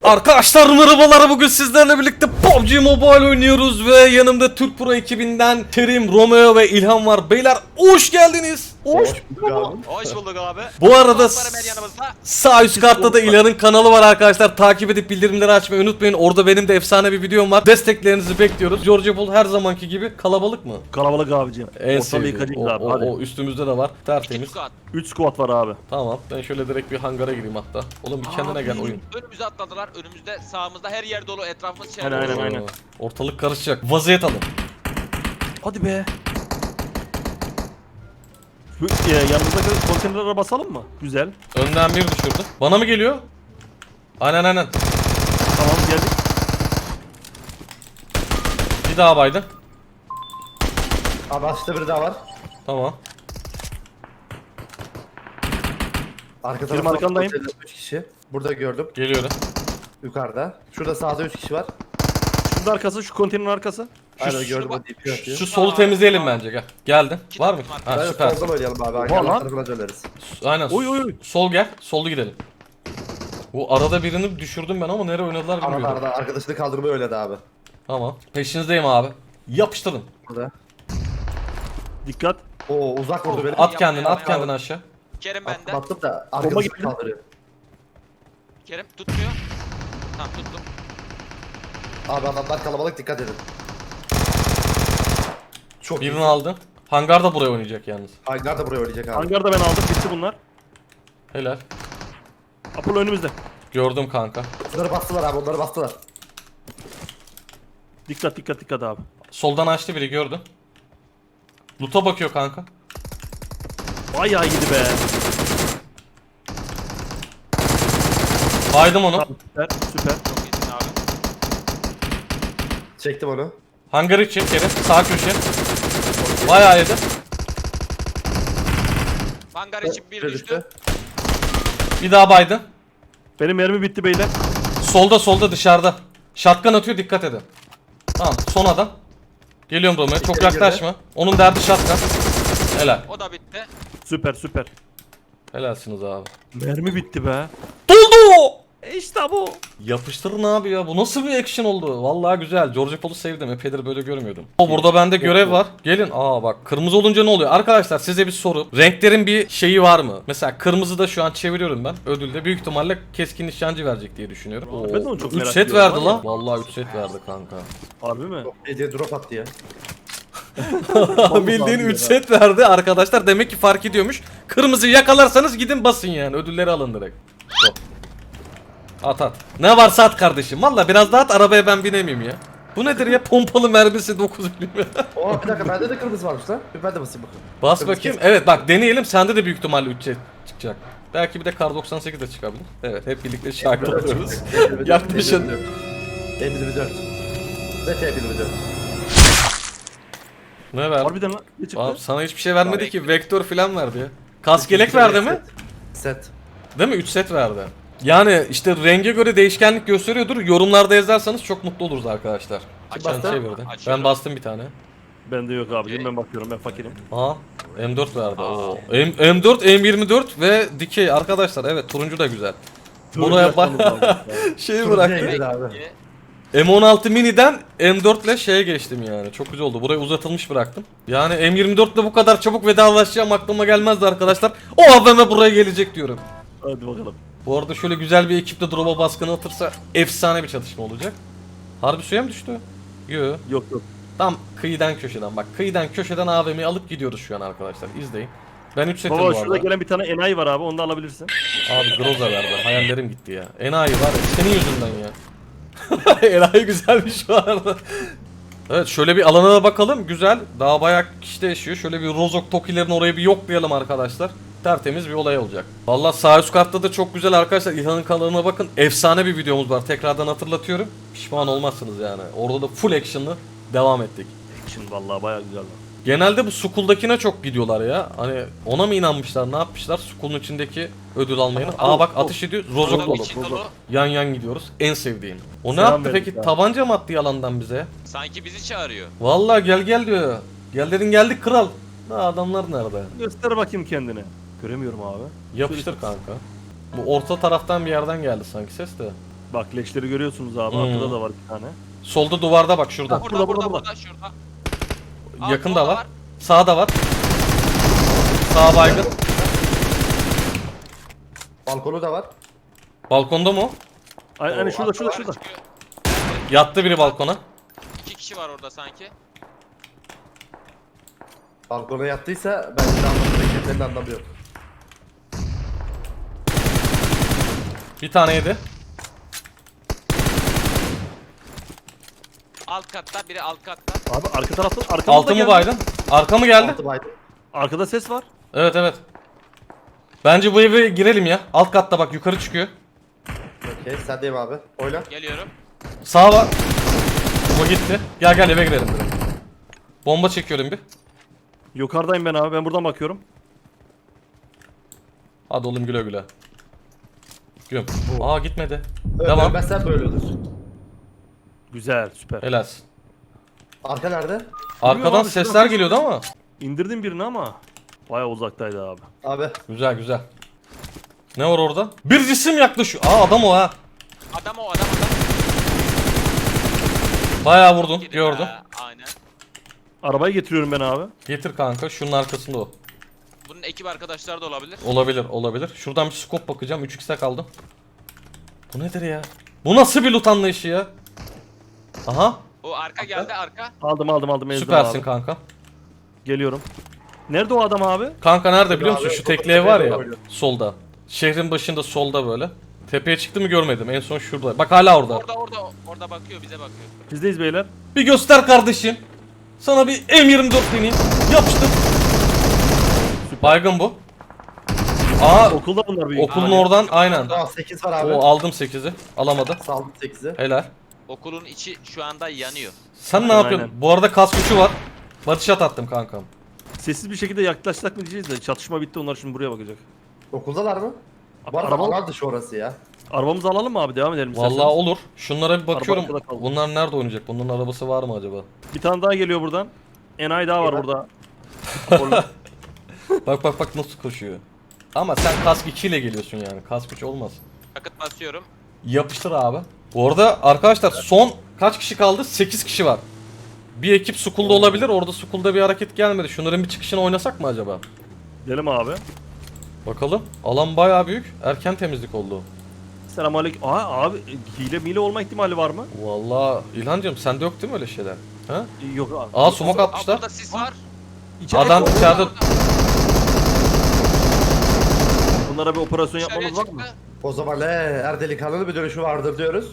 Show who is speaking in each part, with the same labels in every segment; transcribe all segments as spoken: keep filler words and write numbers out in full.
Speaker 1: Arkadaşlar merhabalar, bugün sizlerle birlikte P U B G Mobile oynuyoruz ve yanımda Türk Pro ekibinden Kerim, Romeo ve İlhan var. Beyler hoş geldiniz. Hoş,
Speaker 2: Hoş bulduk abi.
Speaker 3: Hoş bulduk abi.
Speaker 1: Bu arada
Speaker 3: Dostlarım her yanımızda.
Speaker 1: sağ üst kartta da İlhan'ın kanalı var arkadaşlar. Takip edip bildirimleri açmayı unutmayın. Orada benim de efsane bir videom var. Desteklerinizi bekliyoruz. George Bull her zamanki gibi kalabalık mı?
Speaker 2: Kalabalık abicim.
Speaker 1: En
Speaker 2: Ortalığı
Speaker 1: sevdiğim.
Speaker 2: yıkacağız
Speaker 1: O,
Speaker 2: abi.
Speaker 1: o,
Speaker 2: Hadi.
Speaker 1: o üstümüzde de var. Tertemiz.
Speaker 3: İki squad.
Speaker 2: üç squad var abi.
Speaker 1: Tamam. Ben şöyle direkt bir hangara gireyim hatta. Oğlum bir kendine gel oyun.
Speaker 3: Önümüze atladılar. Önümüzde, sağımızda her yer dolu. Etrafımız şey.
Speaker 2: Aynen, aynen, aynen.
Speaker 1: Oo, ortalık karışacak. Vaziyet alın.
Speaker 2: Hadi be. Şu e, yanımızdaki konteynerlere basalım mı? Güzel.
Speaker 1: Önden bir düşürdü. Bana mı geliyor? Aynen aynen.
Speaker 2: Tamam geldik.
Speaker 1: Bir daha baydı.
Speaker 4: Abi açta biri daha var.
Speaker 1: Tamam.
Speaker 4: Arka
Speaker 2: Benim
Speaker 4: tarafta
Speaker 2: arkandayım.
Speaker 4: üç kişi. Burada gördüm.
Speaker 1: Geliyorum.
Speaker 4: Yukarıda. Şurada sağda üç kişi var.
Speaker 2: Şunun arkası, şu konteynerin arkası.
Speaker 4: Aynen
Speaker 1: şu-
Speaker 4: gördüm
Speaker 3: şu-
Speaker 4: o D P atıyor.
Speaker 1: Şu solu temizleyelim bence, gel. Geldin.
Speaker 3: İki
Speaker 1: Var mı?
Speaker 3: takım var.
Speaker 1: Ha
Speaker 4: Ben
Speaker 1: süper.
Speaker 4: soldan oynayalım abi.
Speaker 2: lan.
Speaker 4: Arkadan tarafına döneriz.
Speaker 1: Aynen.
Speaker 2: Oy oy oy.
Speaker 1: Sol gel. Sollu gidelim. Bu arada birini düşürdüm ben ama nereye oynadılar
Speaker 4: Arada
Speaker 1: bilmiyorum.
Speaker 4: arada arkadaşını kaldırmayı öyledi abi.
Speaker 1: Tamam. Peşinizdeyim abi. Yapıştırın.
Speaker 4: Burada.
Speaker 2: Dikkat.
Speaker 4: Oo uzak vurdu beni.
Speaker 1: At kendini, at
Speaker 3: yapma.
Speaker 1: kendini aşağı.
Speaker 3: Kerim
Speaker 4: At-
Speaker 3: bende.
Speaker 4: Battım da
Speaker 2: Bomba
Speaker 4: arkadaşını
Speaker 2: gitti.
Speaker 4: kaldırıyor.
Speaker 3: Kerim tutmuyor. Tamam tuttum.
Speaker 4: Abi adamlar kalabalık, dikkat edin. Çok
Speaker 1: Birini
Speaker 4: iyi.
Speaker 1: aldın. Hangar da buraya oynayacak yalnız.
Speaker 4: Hangar da buraya oynayacak abi.
Speaker 2: Hangarda ben aldım. Bitti bunlar.
Speaker 1: Helal.
Speaker 2: Apollo önümüzde.
Speaker 1: Gördüm kanka.
Speaker 4: Onları bastılar abi, onları bastılar.
Speaker 2: Dikkat dikkat dikkat abi.
Speaker 1: Soldan açtı biri, gördüm. Loot'a bakıyor kanka.
Speaker 2: Bayağı iyiydi be.
Speaker 1: Baydım onu.
Speaker 2: Tamam, süper süper.
Speaker 3: Çok iyisin abi.
Speaker 4: Çektim onu.
Speaker 1: Hangarı çek Kerim. Sağ köşe. Bayağı yedi.
Speaker 3: Hangar için bir düştü.
Speaker 1: Bir daha baydın.
Speaker 2: Benim mermi bitti beyler.
Speaker 1: Solda solda dışarıda. Shotgun atıyor, dikkat edin. Tamam, son adam. Geliyorum Romeo, çok
Speaker 4: İçeri
Speaker 1: yaklaşma. Onun derdi shotgun. Helal.
Speaker 3: O da bitti.
Speaker 2: Süper süper.
Speaker 1: Helalsiniz abi.
Speaker 2: Mermi bitti be.
Speaker 1: Doldu!
Speaker 2: İşte bu.
Speaker 1: Yapıştırın abi ya. Bu nasıl bir action oldu? Vallahi güzel. George Paul'u sevdim. Epeydir böyle görmüyordum. O burada bende görev var. Gelin. Aa bak, kırmızı olunca ne oluyor? Arkadaşlar size bir soru. Renklerin bir şeyi var mı? Mesela kırmızıda şu an çeviriyorum ben. Ödülde büyük ihtimalle keskin nişancı verecek diye düşünüyorum.
Speaker 2: Ben de onu çok
Speaker 1: üç
Speaker 2: merak
Speaker 1: set
Speaker 2: ediyorum
Speaker 1: verdi
Speaker 2: var
Speaker 1: lan.
Speaker 2: ya.
Speaker 1: Vallahi üç set verdi kanka.
Speaker 2: Harbi mi?
Speaker 4: Hediye drop attı ya.
Speaker 1: Bildiğin üç set verdi arkadaşlar. Demek ki fark ediyormuş. Kırmızıyı yakalarsanız gidin basın yani. Ödülleri alın direkt. Go. At at. Ne varsa at kardeşim. Valla biraz daha at, arabaya ben binemeyeyim ya. Bu nedir ya? Pompalı mermisi dokuz milim.
Speaker 4: Oo bir dakika, bende de kırmızı varmış lan. Bir ben de basayım bakayım.
Speaker 1: Bas
Speaker 4: Kırmızı
Speaker 1: bakayım.
Speaker 4: kes-
Speaker 1: Evet bak, deneyelim. Sende de büyük ihtimalle üç set çıkacak. Belki bir de kar doksan sekiz de çıkabilir. Evet, hep birlikte şahit oluruz. Yaklaşın.
Speaker 4: elli dört. Ne T elli dört?
Speaker 1: Ne verdi?
Speaker 2: Harbiden lan. Ne çıktı?
Speaker 1: Abi sana hiçbir şey vermedi ki. Vektör falan verdi ya. Kaskelek verdi mi?
Speaker 4: Set.
Speaker 1: Değil mi? üç set verdi. Yani işte renge göre değişkenlik gösteriyordur. Yorumlarda yazarsanız çok mutlu oluruz arkadaşlar.
Speaker 3: Açalım.
Speaker 1: Ben
Speaker 4: bastı?
Speaker 1: çevirdim. Ben
Speaker 3: Açıyorum.
Speaker 1: bastım bir tane.
Speaker 2: Bende yok abicim, ben bakıyorum, ben fakirim.
Speaker 1: Aha, M dört verdi. Oo. M M4, M yirmi dört ve dikey arkadaşlar. Evet, turuncu da güzel. Buraya bak. Şeyi bıraktı.
Speaker 4: Turuncuya abi.
Speaker 3: İyi.
Speaker 1: M on altı mini'den M dört ile şeye geçtim yani. Çok güzel oldu. Burayı uzatılmış bıraktım. Yani M yirmi dört ile bu kadar çabuk vedalaşacağım aklıma gelmezdi arkadaşlar. O A V M buraya gelecek diyorum.
Speaker 2: Hadi bakalım.
Speaker 1: Bu arada şöyle güzel bir ekiple drop'a baskını atırsa efsane bir çatışma olacak. Harbi suya mı düştü? Yo.
Speaker 2: Yok yok.
Speaker 1: Tam kıyıdan köşeden bak. Kıyıdan köşeden A V M'yi alıp gidiyoruz şu an arkadaşlar. İzleyin. Ben üç setim bu
Speaker 2: Baba
Speaker 1: arada.
Speaker 2: şurada gelen bir tane enayi var abi, onu da alabilirsin.
Speaker 1: Abi Groza verdi. Hayallerim gitti ya. Enayi var ya. Senin yüzünden ya. Enayi güzelmiş şu arada. Evet, şöyle bir alana da bakalım. Güzel. Daha bayağı kişi de yaşıyor. Şöyle bir Rozok Tokilerin orayı bir yoklayalım arkadaşlar. Tertemiz bir olay olacak. Vallahi sağ üst kartta da çok güzel arkadaşlar. İlhan'ın kanalına bakın. Efsane bir videomuz var. Tekrardan hatırlatıyorum. Pişman olmazsınız yani. Orada da full action'lı devam ettik.
Speaker 2: Şimdi vallahi bayağı güzel lan.
Speaker 1: Genelde bu Skull'dakine çok gidiyorlar ya. Hani ona mı inanmışlar, ne yapmışlar? Skull'un içindeki ödül almayını. Aa bak, ateş ediyor. Rozok
Speaker 3: Orada
Speaker 1: dolu.
Speaker 3: içi dolu.
Speaker 1: Yan yan gidiyoruz. En sevdiğim. O ne
Speaker 2: Selam
Speaker 1: yaptı
Speaker 2: verdik
Speaker 1: peki?
Speaker 2: abi.
Speaker 1: Tabanca mı attı yalandan bize?
Speaker 3: Sanki bizi çağırıyor.
Speaker 1: Vallahi gel gel diyor. Gel dedin geldik kral. Daha adamlar nerede?
Speaker 2: Göster bakayım kendine. Göremiyorum abi.
Speaker 1: Yapıştır kanka. Bu orta taraftan bir yerden geldi sanki ses de.
Speaker 2: Bak leşleri görüyorsunuz abi.
Speaker 1: Hmm.
Speaker 2: Arkada da var bir tane.
Speaker 1: Solda duvarda bak şurada.
Speaker 3: Burada
Speaker 2: burada,
Speaker 3: burada
Speaker 2: burada,
Speaker 3: burada, şurada. Aa,
Speaker 1: Yakında
Speaker 3: solda
Speaker 1: var. Sağda var. Sağ baygın.
Speaker 4: Balkonu da var.
Speaker 1: Balkonda mı o?
Speaker 2: Ay, hani şurada şurada
Speaker 3: Yukarı
Speaker 2: şurada.
Speaker 3: çıkıyor.
Speaker 1: Yattı biri balkona.
Speaker 3: İki kişi var orada sanki.
Speaker 4: Balkona yattıysa ben de anlamıyorum. Senin anlamıyorum.
Speaker 1: Bir tane yedi.
Speaker 3: Alt katta, biri alt katta.
Speaker 2: Abi arka tarafta arkamızda
Speaker 1: Altı mı
Speaker 2: geldi.
Speaker 1: baydın? Arka mı geldi?
Speaker 4: Altı baydı.
Speaker 2: Arkada ses var.
Speaker 1: Evet evet. Bence bu eve girelim ya. Alt katta bak yukarı çıkıyor.
Speaker 4: Okey sendeyim abi. Oyna.
Speaker 3: Geliyorum.
Speaker 1: Sağ var. Bu gitti. Gel gel eve girelim direkt. Bomba çekiyorum bir.
Speaker 2: Yukarıdayım ben abi. Ben buradan bakıyorum.
Speaker 1: Hadi oğlum güle güle. Güm. Aa gitmedi.
Speaker 4: Öyle
Speaker 1: Devam.
Speaker 4: ölmezsen böyle olur.
Speaker 2: Güzel, süper.
Speaker 1: Helalsin.
Speaker 4: Arka nerede?
Speaker 1: Arkadan
Speaker 2: abi,
Speaker 1: sesler
Speaker 2: şuradan-
Speaker 1: geliyordu ama.
Speaker 2: İndirdim birini ama bayağı uzaktaydı abi.
Speaker 4: Abi.
Speaker 1: Güzel güzel. Ne var orada? Bir cisim yaklaşıyor. Aa adam o ha.
Speaker 3: Adam o adam adam.
Speaker 1: Bayağı vurdun.
Speaker 3: Gidin
Speaker 1: Gördüm.
Speaker 3: ha, Aynen.
Speaker 2: Arabayı getiriyorum ben abi.
Speaker 1: Getir kanka. Şunun arkasında o.
Speaker 3: Bunun ekip arkadaşlar da olabilir.
Speaker 1: Olabilir olabilir. Şuradan bir scope bakacağım. üç x'e kaldım. Bu nedir ya? Bu nasıl bir loot anlayışı ya? Aha.
Speaker 3: O arka geldi arka.
Speaker 2: Aldım aldım aldım. ezdim
Speaker 1: Süpersin
Speaker 2: abi.
Speaker 1: kanka.
Speaker 2: Geliyorum. Nerede o adam abi?
Speaker 1: Kanka nerede biliyor musun?
Speaker 4: Abi,
Speaker 1: Şu tekli ev var ya.
Speaker 4: oynuyor.
Speaker 1: Solda. Şehrin başında solda böyle. Tepeye çıktı mı görmedim. En son şurada. Bak hala orada.
Speaker 3: Orada orada orada bakıyor bize bakıyor.
Speaker 2: Bizdeyiz beyler.
Speaker 1: Bir göster kardeşim. Sana bir M yirmi dört deneyim. Yapıştır. Baygın bu. Aa
Speaker 2: Okulda bunlar büyük.
Speaker 1: okulun
Speaker 2: ihtimalle.
Speaker 1: oradan aynen.
Speaker 4: Aa sekiz var abi.
Speaker 1: O aldım sekizi. Alamadı.
Speaker 4: Saldım sekizi.
Speaker 1: Helal.
Speaker 3: Okulun içi şu anda yanıyor.
Speaker 1: Sen ne
Speaker 2: Aynen,
Speaker 1: yapıyorsun?
Speaker 2: aynen.
Speaker 1: Bu arada kas gücü var. Batış at attım kankam.
Speaker 2: Sessiz bir şekilde yaklaşsak mı diyeceğiz de çatışma bitti, onlar şimdi buraya bakacak.
Speaker 4: Okuldalar mı?
Speaker 2: Abi,
Speaker 4: Bu arada
Speaker 2: araba,
Speaker 4: alan dışı orası ya.
Speaker 2: arabamızı alalım mı abi, devam edelim
Speaker 1: Vallahi
Speaker 2: isterseniz.
Speaker 1: olur. Şunlara bir bakıyorum.
Speaker 2: arkada kaldı.
Speaker 1: Bunlar nerede oynayacak? Bunların arabası var mı acaba?
Speaker 2: Bir tane daha geliyor buradan. Enayi daha var
Speaker 4: Evet.
Speaker 2: burada. Apollo.
Speaker 1: Bak bak bak nasıl koşuyor. Ama sen kask iki ile geliyorsun yani. Kask üç olmaz.
Speaker 3: Yakıt basıyorum.
Speaker 1: Yapıştır abi. Bu arada arkadaşlar son kaç kişi kaldı? sekiz kişi var. Bir ekip Skull'da olabilir. Orada Skull'da bir hareket gelmedi. Şunların bir çıkışını oynasak mı acaba?
Speaker 2: Gidelim abi.
Speaker 1: Bakalım. Alan bayağı büyük. Erken temizlik oldu.
Speaker 2: Selamünaleyküm. Aa abi, hile mile olma ihtimali var mı?
Speaker 1: Vallahi İlhancığım sende yok değil mi öyle şeyler? Ha?
Speaker 2: Yok abi.
Speaker 1: Aa smoke
Speaker 3: Aa,
Speaker 1: atmışlar.
Speaker 3: burada sis var.
Speaker 2: İçeride-
Speaker 1: Adam içeride.
Speaker 2: Bunlara bir operasyon
Speaker 3: Dışarıya
Speaker 2: yapmamız var mı?
Speaker 3: çıktı.
Speaker 4: O zaman ne? Er delikanlı bir dönüşü vardır diyoruz.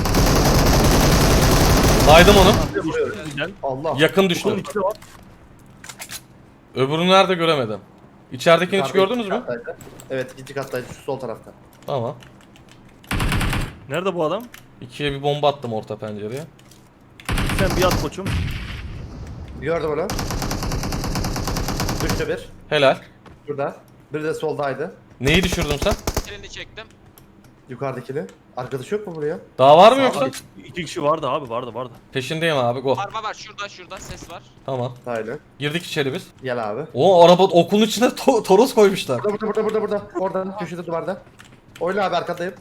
Speaker 1: Baydım onu.
Speaker 4: Vuruyoruz.
Speaker 2: Güzel.
Speaker 4: Allah.
Speaker 1: Yakın
Speaker 2: Bunun
Speaker 1: düştü.
Speaker 2: içinde var.
Speaker 1: Öbürünü nerede göremedim. İçeridekini hiç
Speaker 4: Yukarıda
Speaker 1: gördünüz
Speaker 4: ikinci
Speaker 1: mü?
Speaker 4: kattaydı. Evet ikinci kattaydı şu sol tarafta.
Speaker 1: Tamam.
Speaker 2: Nerede bu adam?
Speaker 1: İkiye bir bomba attım orta pencereye.
Speaker 2: Sen bir at koçum.
Speaker 4: Gördüm onu. Düştü bir.
Speaker 1: Helal.
Speaker 4: Şurada. Biri de soldaydı.
Speaker 1: Neyi düşürdün sen?
Speaker 3: Elini çektim.
Speaker 4: Yukarıdakini. Arkadaş yok mu buraya?
Speaker 1: Daha var mı
Speaker 4: Sağ
Speaker 1: yoksa?
Speaker 4: ol.
Speaker 2: İki kişi vardı abi, vardı vardı.
Speaker 1: Peşindeyim abi go.
Speaker 3: Araba var şurada şurada ses var.
Speaker 1: Tamam.
Speaker 4: Aynen.
Speaker 1: Girdik içeri biz.
Speaker 4: Gel abi.
Speaker 1: O araba okulun içine to- toros koymuşlar.
Speaker 4: Burada burada burada burada burada. Orada köşede duvarda. Oyna abi arkadayım.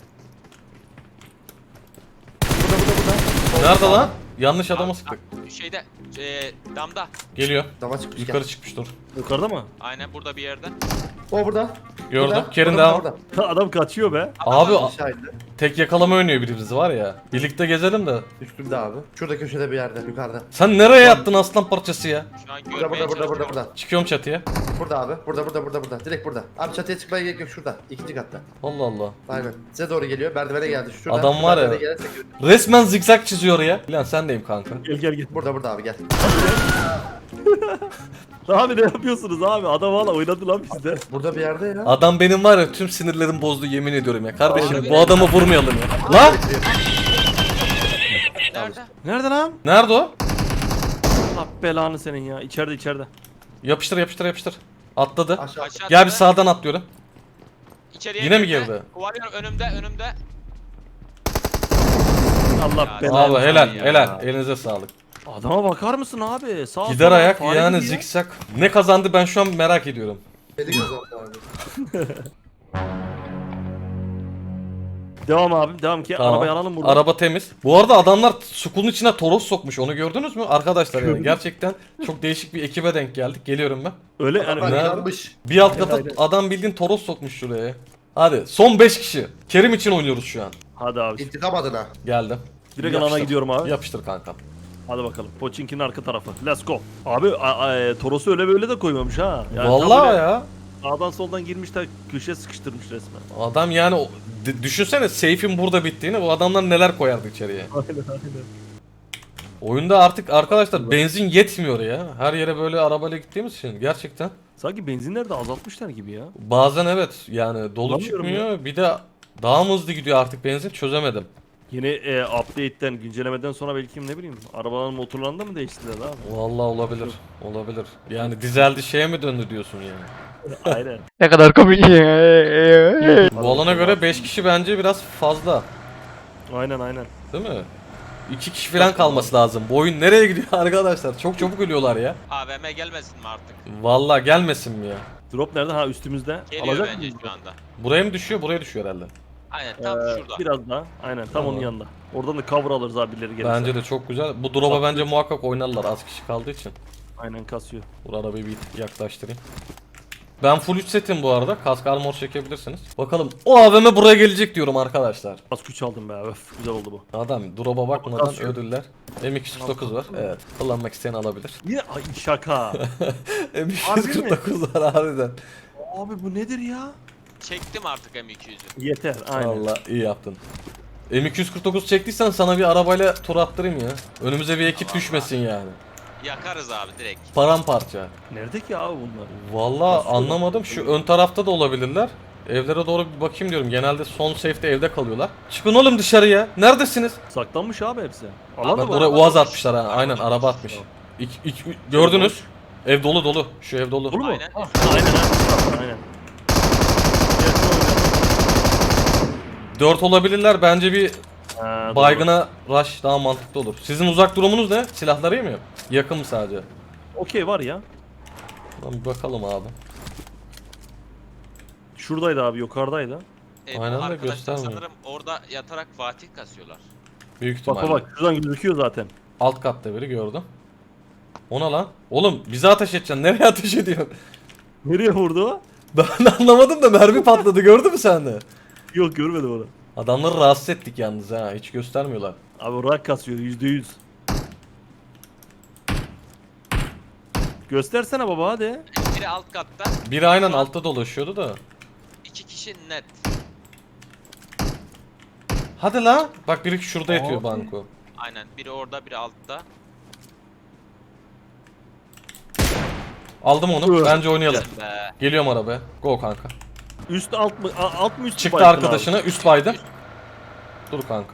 Speaker 4: Burada burada burada.
Speaker 1: Nerede lan? Yanlış adamı sıktık.
Speaker 3: Şeyde e, damda.
Speaker 1: Geliyor.
Speaker 4: Dama çıkmış
Speaker 1: Yukarı
Speaker 4: gel.
Speaker 1: çıkmış dur.
Speaker 2: Yukarıda mı?
Speaker 3: Aynen burada bir yerde.
Speaker 4: O burada.
Speaker 1: Gördüm.
Speaker 4: Burada,
Speaker 1: Kerin
Speaker 4: burada,
Speaker 1: devam.
Speaker 4: burada.
Speaker 2: Adam kaçıyor be.
Speaker 1: Abi
Speaker 4: Aşağı indi.
Speaker 1: tek yakalama oynuyor birimiz var ya. Birlikte gezelim de.
Speaker 4: Üstümde abi. Şurada köşede bir yerde yukarıda.
Speaker 1: Sen nereye yattın aslan parçası ya?
Speaker 3: Şu an
Speaker 4: Burada
Speaker 3: görmeye
Speaker 4: burada burada burada
Speaker 3: çalışıyorum.
Speaker 4: burada.
Speaker 1: Çıkıyorum çatıya.
Speaker 4: Burada abi. Burada burada burada burada. Direkt burada. Abi çatıya çıkmaya gerek yok şurada. İkinci katta.
Speaker 1: Allah Allah.
Speaker 4: Aynen. Size doğru geliyor. Merdivene geldi. Şurada.
Speaker 1: Adam
Speaker 4: Şu
Speaker 1: var ya.
Speaker 4: merdivene gelirse gör-
Speaker 1: Resmen zikzak çiziyor ya. Lan sen deyim kanka.
Speaker 2: Gel gel gel.
Speaker 4: Burada burada abi gel.
Speaker 2: Abi ne yapıyorsunuz abi? Adam hala oynadı lan bizde.
Speaker 4: Burada bir yerde ya.
Speaker 1: Adam benim var ya tüm sinirlerim bozdu yemin ediyorum ya. Kardeşim
Speaker 3: Abi.
Speaker 1: bu adamı vurmayalım ya. La!
Speaker 3: Nerede?
Speaker 2: Nerede lan?
Speaker 1: Nerede o?
Speaker 2: Allah belanı senin ya. İçeride içeride.
Speaker 1: Yapıştır yapıştır yapıştır. Atladı.
Speaker 4: Aşağı.
Speaker 3: Aşağı
Speaker 1: Gel bir
Speaker 3: atladı.
Speaker 1: sağdan atlıyorum.
Speaker 3: İçeriye
Speaker 1: Yine mi
Speaker 3: girdi.
Speaker 1: girdi?
Speaker 3: Kovalıyorum önümde önümde.
Speaker 2: Allah
Speaker 3: Ya,
Speaker 2: belanı.
Speaker 1: Abi helal
Speaker 3: ya.
Speaker 1: helal. Elinize sağlık.
Speaker 2: Adama bakar mısın abi? Sağ
Speaker 1: Gider
Speaker 2: sola
Speaker 1: ayak
Speaker 2: fare
Speaker 1: yani
Speaker 2: gibi ya.
Speaker 1: zikzak. Ne kazandı ben şu an merak ediyorum.
Speaker 4: Beni kazandı abi.
Speaker 2: Devam abim devam ki
Speaker 1: Tamam.
Speaker 2: arabayı alalım buradan.
Speaker 1: Araba temiz. Bu arada adamlar Skull'un içine Toros sokmuş. Onu gördünüz mü? Arkadaşlar yani gerçekten çok değişik bir ekibe denk geldik. Geliyorum ben.
Speaker 2: Öyle yani.
Speaker 4: Bak
Speaker 1: Ne?
Speaker 4: yanmış.
Speaker 1: Bir alt kata
Speaker 2: Aynen.
Speaker 1: adam bildiğin Toros sokmuş şuraya. Hadi son beş kişi. Kerim için oynuyoruz şu an.
Speaker 2: Hadi abi.
Speaker 4: İntikam adına.
Speaker 1: Geldim.
Speaker 2: Direkt
Speaker 1: Yapıştır.
Speaker 2: alana gidiyorum abi.
Speaker 1: Yapıştır kankam.
Speaker 2: Hadi bakalım. Poçinki'nin arka tarafı. Let's go. Abi a- a- e, Toros'u öyle böyle de koymamış ha. Yani tam
Speaker 1: Vallahi
Speaker 2: böyle
Speaker 1: ya.
Speaker 2: Sağdan soldan girmiş de köşeye sıkıştırmış resmen.
Speaker 1: Adam yani o- d- düşünsene safe'in burada bittiğini, bu adamlar neler koyardı içeriye.
Speaker 2: Aynen aynen.
Speaker 1: Oyunda artık arkadaşlar benzin yetmiyor ya. Her yere böyle arabayla gittiğimiz için gerçekten.
Speaker 2: Sanki benzinleri de azaltmışlar gibi ya.
Speaker 1: Bazen evet yani dolu
Speaker 2: Bulamıyorum
Speaker 1: çıkmıyor. Bir de daha mı hızlı gidiyor artık benzin, çözemedim.
Speaker 2: Yeni e, update'ten, güncellemeden sonra belki ne bileyim arabaların motorlarını da mı değiştirdiler abi?
Speaker 1: Vallahi olabilir. Olabilir. Yani dizeldi şeye mi döndü diyorsun yani.
Speaker 2: Aynen.
Speaker 5: Ne kadar komik.
Speaker 1: Bu alana göre beş kişi bence biraz fazla.
Speaker 2: Aynen aynen.
Speaker 1: Değil mi? iki kişi falan kalması lazım. Bu oyun nereye gidiyor arkadaşlar? Çok çabuk ölüyorlar ya.
Speaker 3: A V M gelmesin mi artık?
Speaker 1: Vallahi gelmesin mi ya?
Speaker 2: Drop nerede? Ha üstümüzde.
Speaker 3: Geliyor
Speaker 2: Alacak
Speaker 3: bence
Speaker 2: mıyız?
Speaker 3: şu anda.
Speaker 1: Buraya mı düşüyor? Buraya düşüyor herhalde.
Speaker 3: Aynen tam
Speaker 2: Ee,
Speaker 3: şurada.
Speaker 2: Biraz daha. Aynen tam
Speaker 1: Tamam.
Speaker 2: onun yanında. Oradan da cover alırız abi birileri gelirse.
Speaker 1: Bence de çok güzel. Bu drop'a bence muhakkak oynarlar az kişi kaldığı için.
Speaker 2: Aynen kasıyor.
Speaker 1: Bu arabayı bir tık yaklaştırayım. Ben full üç setim bu arada. Kask armor çekebilirsiniz. Bakalım o A V M buraya gelecek diyorum arkadaşlar.
Speaker 2: Az güç aldım be. Öf güzel oldu bu.
Speaker 1: Adam drop'a bakmadan
Speaker 2: Kasıyor.
Speaker 1: ödüller. M iki yüz kırk dokuz var. Evet. Kullanmak isteyen alabilir.
Speaker 2: Yine ay şaka.
Speaker 1: M iki yüz kırk dokuz var harbiden.
Speaker 2: Abi bu nedir ya?
Speaker 3: Çektim artık M iki yüzü.
Speaker 2: Yeter aynen.
Speaker 1: Valla iyi yaptın. M iki yüz kırk dokuz çektiysen sana bir arabayla tur attırayım ya. Önümüze bir ekip düşmesin yani.
Speaker 3: Yakarız abi direkt.
Speaker 1: Paramparça.
Speaker 2: Nerede ki abi bunlar?
Speaker 1: Valla
Speaker 2: Nasıl
Speaker 1: anlamadım. Şu ön tarafta da olabilirler. Evlere doğru bir bakayım diyorum. Genelde son safe'de evde kalıyorlar. Çıkın oğlum dışarıya. Neredesiniz?
Speaker 2: Saklanmış abi hepsi.
Speaker 3: Abi
Speaker 2: Alan
Speaker 1: Bak
Speaker 2: da
Speaker 1: buraya
Speaker 2: var.
Speaker 1: uaz atmışlar ha. Aynen araba atmış. İk, ik- gördünüz. Ev dolu dolu. Şu ev dolu.
Speaker 2: Dolu mu?
Speaker 3: Aynen.
Speaker 2: Ah, aynen aynen. Aynen. Evet,
Speaker 1: Dört olabilirler. Bence bir
Speaker 2: doğru. Ha, doğru.
Speaker 1: baygına rush daha mantıklı olur. Sizin uzak durumunuz ne? Silahları iyi mi? Yakın mı sadece?
Speaker 2: Okey var ya.
Speaker 1: Lan bir bakalım abi.
Speaker 2: Şuradaydı abi yukarıdaydı.
Speaker 3: E, bu
Speaker 1: Aynen de
Speaker 3: arkadaşlar
Speaker 1: göstermiyor.
Speaker 3: sanırım orada yatarak Fatih kasıyorlar.
Speaker 1: Büyük
Speaker 2: Bak
Speaker 1: ihtimalle.
Speaker 2: bak bak şuradan gözüküyor zaten.
Speaker 1: Alt katta biri gördüm. Ona lan. Oğlum bize ateş edeceksin. Nereye ateş ediyorsun?
Speaker 2: Nereye vurdu o?
Speaker 1: Ben de anlamadım da mermi patladı. Gördün mü sen de?
Speaker 2: Yok görmedim onu.
Speaker 1: Adamları rahatsız ettik yalnız ha. Hiç göstermiyorlar.
Speaker 2: Abi rak kasıyor yüzde yüz. Göstersene baba hadi.
Speaker 3: Biri alt katta,
Speaker 1: Biri aynen altta dolaşıyordu da.
Speaker 3: iki kişi net.
Speaker 1: Hadi la. Bak biri şurada yatıyor
Speaker 2: Abi.
Speaker 1: banko.
Speaker 3: Aynen biri orada biri altta.
Speaker 1: Aldım onu.
Speaker 2: Dur.
Speaker 1: Bence oynayalım.
Speaker 3: Be.
Speaker 1: Geliyorum arabaya. Go kanka.
Speaker 2: Üst alt mı a- alt mı üst mü
Speaker 1: Çıktı
Speaker 2: baydın
Speaker 1: arkadaşına. Üst baydı. Dur kanka.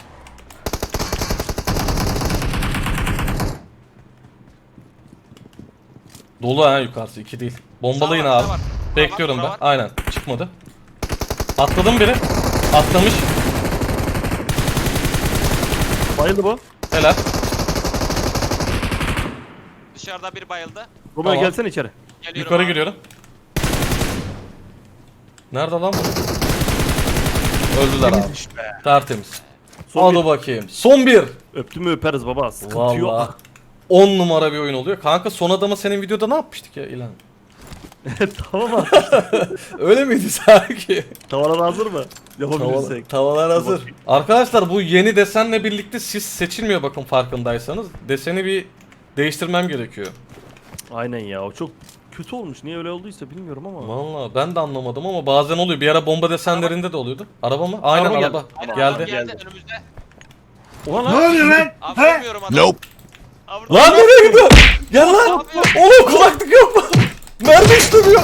Speaker 1: Dolu ha yukarısı. iki değil. Bombalayın
Speaker 3: Sağ var,
Speaker 1: abi.
Speaker 3: sağ var.
Speaker 1: Bekliyorum
Speaker 3: Sağ
Speaker 1: ben.
Speaker 3: var.
Speaker 1: Aynen. Çıkmadı. Atladım biri. Atlamış.
Speaker 2: abi? Bayıldı bu.
Speaker 1: Helal.
Speaker 3: Dışarıda biri bayıldı.
Speaker 2: Roma'ya
Speaker 1: Tamam.
Speaker 2: gelsene içeri.
Speaker 3: Geliyorum
Speaker 1: Yukarı
Speaker 3: abi.
Speaker 1: giriyorum. Nerede lan bu? Öldüler abi. Tertemiz.
Speaker 2: Son
Speaker 1: Hadi
Speaker 2: bir.
Speaker 1: bakayım. Son bir.
Speaker 2: Öptü mü öperiz baba. Sıkıntı yok.
Speaker 1: Vallahi on numara bir oyun oluyor. Kanka son adama senin videoda ne yapmıştık ya İlhan?
Speaker 2: Tamam abi.
Speaker 1: Öyle miydi sanki?
Speaker 2: Tavalar hazır mı?
Speaker 1: Tavalar,
Speaker 2: Yapabilirsek.
Speaker 1: tavalar hazır. Arkadaşlar bu yeni desenle birlikte siz seçilmiyor bakın farkındaysanız. Deseni bir değiştirmem gerekiyor.
Speaker 2: Aynen ya o çok kötü olmuş. Niye öyle olduysa bilmiyorum ama.
Speaker 1: Vallahi ben de anlamadım ama bazen oluyor. Bir ara bomba desenlerinde de oluyordu. Araba mı? Aynen
Speaker 2: Araba
Speaker 1: araba.
Speaker 2: geldi.
Speaker 3: Aynen,
Speaker 1: Geldi.
Speaker 3: adam geldi
Speaker 2: Geldi.
Speaker 3: önümüzde.
Speaker 2: Oha lan.
Speaker 5: oluyor lan?
Speaker 3: Abi görmüyorum adamı.
Speaker 5: Nope.
Speaker 3: Abi,
Speaker 1: Lan nereye gidiyor? Gel lan.
Speaker 3: Abi.
Speaker 1: Oğlum kulaklık yok mu? Mermi istemiyor.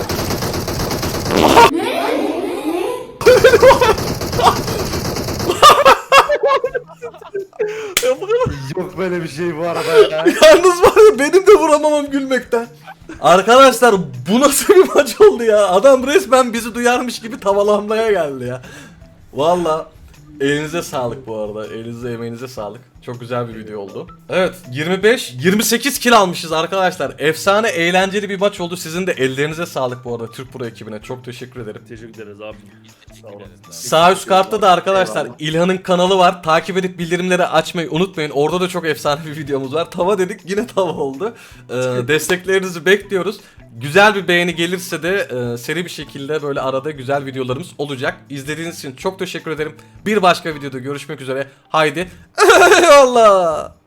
Speaker 4: Yok böyle bir şey bu arada ya.
Speaker 1: Yalnız var ya benim de vuramamam gülmekten. Arkadaşlar bu nasıl bir maç oldu ya? Adam resmen bizi duyarmış gibi tavalamlaya geldi ya. Valla elinize sağlık bu arada. Elinize emeğinize sağlık. Çok güzel bir video oldu. Evet yirmi beş yirmi sekiz kill almışız arkadaşlar. Efsane eğlenceli bir maç oldu. Sizin de ellerinize sağlık bu arada Türk Pro ekibine. Çok teşekkür ederim.
Speaker 2: Teşekkür ederiz abi.
Speaker 1: Sağ üst kartta da arkadaşlar
Speaker 4: Eyvallah.
Speaker 1: İlhan'ın kanalı var. Takip edip bildirimleri açmayı unutmayın. Orada da çok efsane bir videomuz var. Tava dedik yine tava oldu. Ee, desteklerinizi bekliyoruz. Güzel bir beğeni gelirse de e, seri bir şekilde böyle arada güzel videolarımız olacak. İzlediğiniz için çok teşekkür ederim. Bir başka videoda görüşmek üzere. Haydi. Allah.